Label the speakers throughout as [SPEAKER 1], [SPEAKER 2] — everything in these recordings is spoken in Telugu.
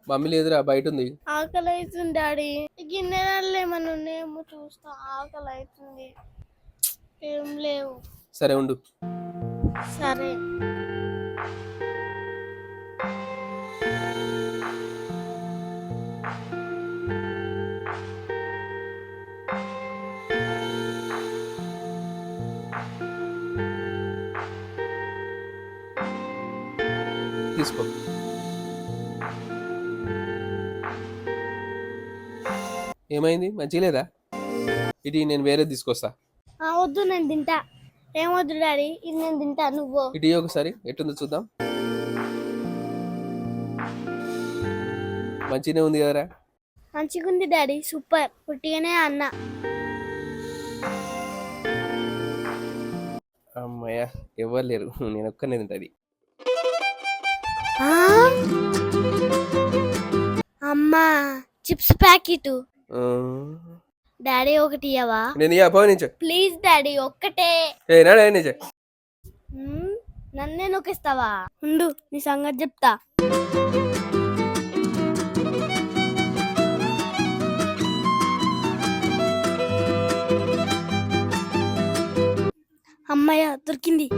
[SPEAKER 1] మమ్మీ లేదురా, బయట ఉంది.
[SPEAKER 2] ఆకలి అవుతుంది డాడీ. గిన్నెలలో ఏమన్నా ఉన్నాయేమో చూస్తా. ఆకలి అవుతుంది. ఏం లేవు.
[SPEAKER 1] సరే ఉండు.
[SPEAKER 2] సరే.
[SPEAKER 1] తీసుకో. ఏమైంది, మంచిగా లేదా? ఇటు నేను వేరే తీసుకొస్తా.
[SPEAKER 2] వద్దు, నేను తింటా. ఏమొద్దు డాడీ, ఇది నేను తింటా. నువ్వు
[SPEAKER 1] ఇటు ఒకసారి ఎట్టుందో చూద్దాం. మంచిగానే ఉంది కదరా?
[SPEAKER 2] మంచిగా ఉంది డాడీ, సూపర్. పుట్టిగానే అన్న.
[SPEAKER 1] అమ్మయ్య, ఎవరు లేరు, నేను ఒక్కనే తింటది.
[SPEAKER 2] అమ్మా, చిప్స్ ప్యాకెట్. డాడీ ఒకటి ఇయ్యవా?
[SPEAKER 1] నేను
[SPEAKER 2] ప్లీజ్ డాడీ, ఒక్కటే. నన్నే నొక్కిస్తావా? ఉండు, నీ సంగతి చెప్తా. అమ్మయ్య, దొరికింది.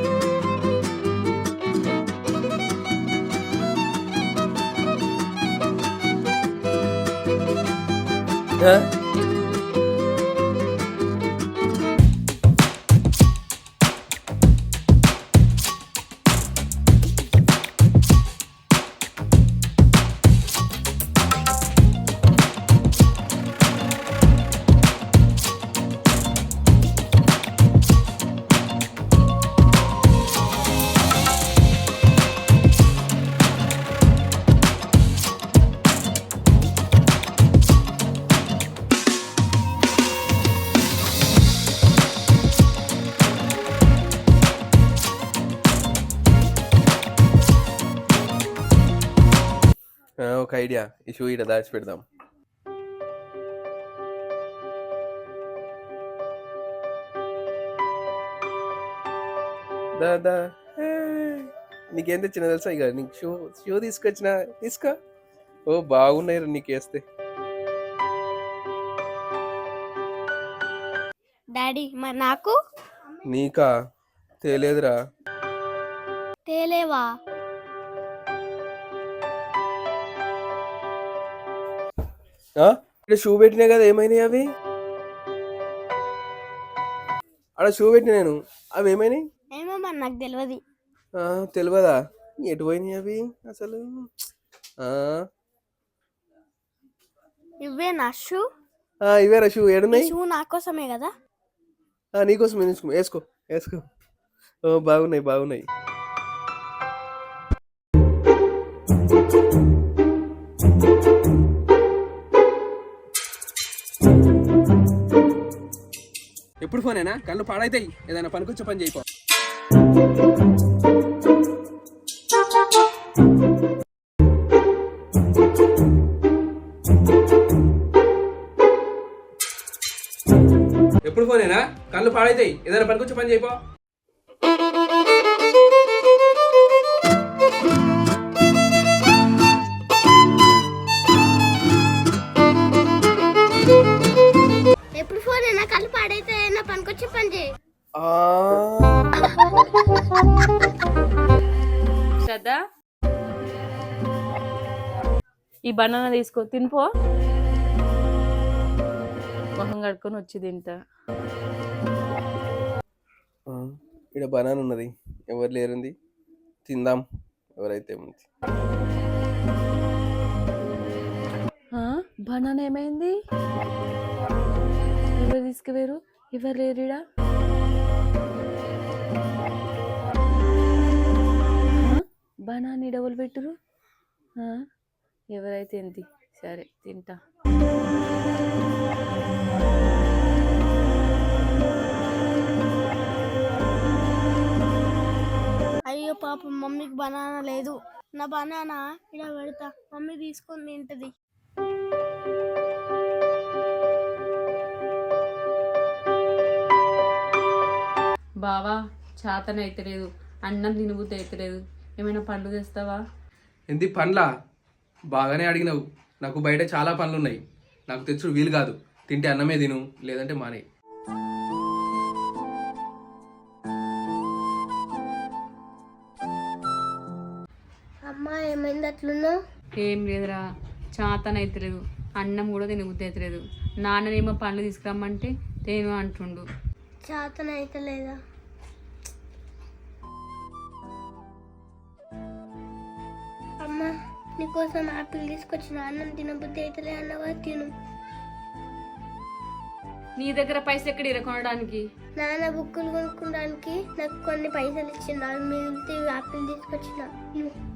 [SPEAKER 1] ఒక ఐడియా, ఈ షూ ఇక్కడ దాచి పెడదాం. దాదా, నీకేం తెచ్చిన తెలుసా? ఇక నీకు షూ తీసుకొచ్చిన, తీసుకో. ఓ బాగున్నాయి నీకు వేస్తే.
[SPEAKER 2] డాడీ, మరి నాకు?
[SPEAKER 1] నీకా? తేలేదురా.
[SPEAKER 2] తేలేవా?
[SPEAKER 1] ఇక్కడ షూ పెట్టినా కదా, ఏమైనాయి అవి? అక్కడ షూ పెట్టిన నేను, అవి ఏమైనాయి?
[SPEAKER 2] ఏమో మరి, నాకు తెలియదు.
[SPEAKER 1] తెలియదా? ఎటు పోయినాయి అవి అసలు?
[SPEAKER 2] ఇవే నా షూ?
[SPEAKER 1] ఇవేరా షూ. ఏడున్నాయి?
[SPEAKER 2] షూ నా కోసమే కదా?
[SPEAKER 1] నీకోసమే. వేసుకో వేసుకో. బాగున్నాయి బాగున్నాయి. ఎప్పుడు ఫోనేనా? కళ్ళు పాడైతాయి. ఏదైనా పనికొచ్చే పని చేయిపో. ఎప్పుడు ఫోనేనా? కళ్ళు పాడైతాయి. ఏదైనా పనికొచ్చే పని చేయిపో.
[SPEAKER 2] ఎప్పుడు ఫోనేనా? కళ్ళు పాడైతే ఏదైనా పనికొచ్చే పని చేయి.
[SPEAKER 3] శ్రద్ధ, ఈ బనానా తీసుకో, తినిపో. మొహం కడుక్కొని వచ్చి తింటా.
[SPEAKER 1] ఇక్కడ బనానా ఉన్నది, ఎవరు లేరుంది, తిందాం. ఎవరైతే ఉంది.
[SPEAKER 3] బనానా ఏమైంది? ఎవరు తీసుకువేరు? ఎవరు లేరుడా? Banana double పెట్టురు. ఎవరైతే ఏంటి? సరే తింటా.
[SPEAKER 2] అయ్యో పాపం, మమ్మీకి బనానా లేదు. నా బనానా ఇలా పెడతా, మమ్మీ తీసుకొని తింటది.
[SPEAKER 3] బావా, చాతన అయితలేదు, అన్నం తినబుద్ధి అయితలేదు. ఏమైనా పండ్లు తెస్తావా?
[SPEAKER 1] ఏంది పండ్లా? బాగానే అడిగినావు. నాకు బయట చాలా పనులు ఉన్నాయి. నాకు తెచ్చుడు వీలు కాదు. తింటే అన్నమే తిను, లేదంటే మానే.
[SPEAKER 2] అమ్మా ఏమైంది అట్లున్నావు?
[SPEAKER 3] ఏం లేదురా, చాతనైతలేదు. అన్నం కూడా తినబుద్ధి అవుతలేదు. నాన్ననేమో పండ్లు తీసుకురమ్మంటే తేను అంటుండు.
[SPEAKER 2] చేతన అయితే లేదా? అమ్మా నీకోసం ఆపిల్ తీసుకొచ్చిన, అన్నం తినబుద్ధి అయితే అన్నవా, తిను.
[SPEAKER 3] నీ దగ్గర పైసలు ఎక్కడ కొనడానికి?
[SPEAKER 2] నాన్న బుక్కులు కొనుక్కోడానికి నాకు కొన్ని పైసలు ఇచ్చిండు, అవి మిగిలితే ఆపిల్ తీసుకొచ్చిన.